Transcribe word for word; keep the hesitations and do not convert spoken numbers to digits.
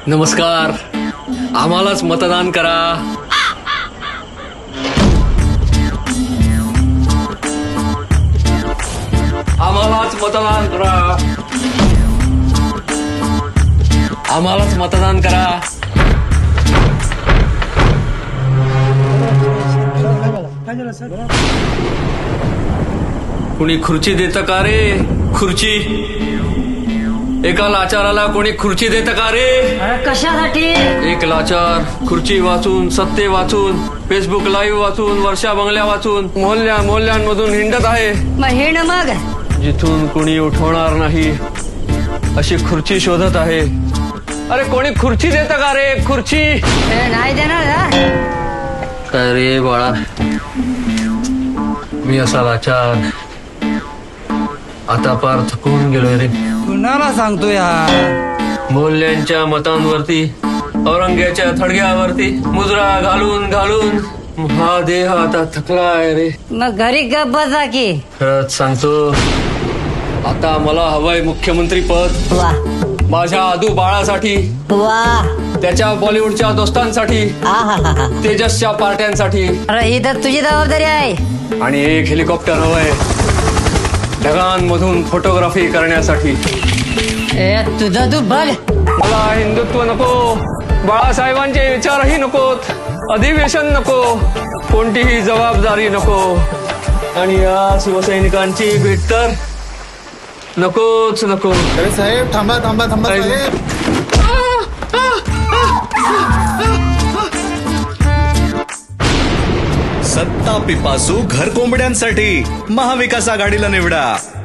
नमस्कार, आम्हालाच मतदान करा. आम्हालाच मतदान करा. आम्हालाच मतदान करा. कुणी खुर्ची देतं का रे? खुर्ची एका लाचाराला कोणी खुर्ची देतं का रे? कशासाठी? एक लाचार खुर्ची वाचून, सत्ते वाचून, फेसबुक लाईव्ह वाचून, वर्षा बंगल्या वाचून, मोहल्ल्या मोहल्ल्यांमधून हिंडत आहे. मग हिंड मग. जिथून कुणी उठवणार नाही अशी खुर्ची शोधत आहे. अरे कोणी खुर्ची देतं का रे? खुर्ची ए, नाही देणार ना. काय रे बाळा, मी असा लाचार आता पार थकून गेलोय रे. कुणाला सांगतो यार? मोल्यांच्या मतांवरती, औरंग्याच्या थडग्यावरती मुजरा घालून घालून हा देह आता थकलाय रे. मग घरी गप बसा की. खरंच सांगतो, आता मला हवंय मुख्यमंत्री पद. वा माझ्या आदू बाळासाठी, वा. त्याच्या बॉलिवूडच्या दोस्तांसाठी, आहाहाहा. तेजसच्या पार्ट्यांसाठी, अरे ही तर तुझी जबाबदारी आहे. आणि एक हेलिकॉप्टर हवंय ढगांमधून फोटोग्राफी करण्यासाठी. ए तुझं तू बघ. मला हिंदुत्व नको, बाळासाहेबांचे विचारही नकोत, अधिवेशन नको, कोणतीही जबाबदारी नको, आणि या शिवसैनिकांची भेट तर नकोच नको. अरे साहेब थांबा थांबा थांबा साहेब. सत्ता पिपासू घर कोंबड्यांसाठी महाविकास आघाडीला निवडा.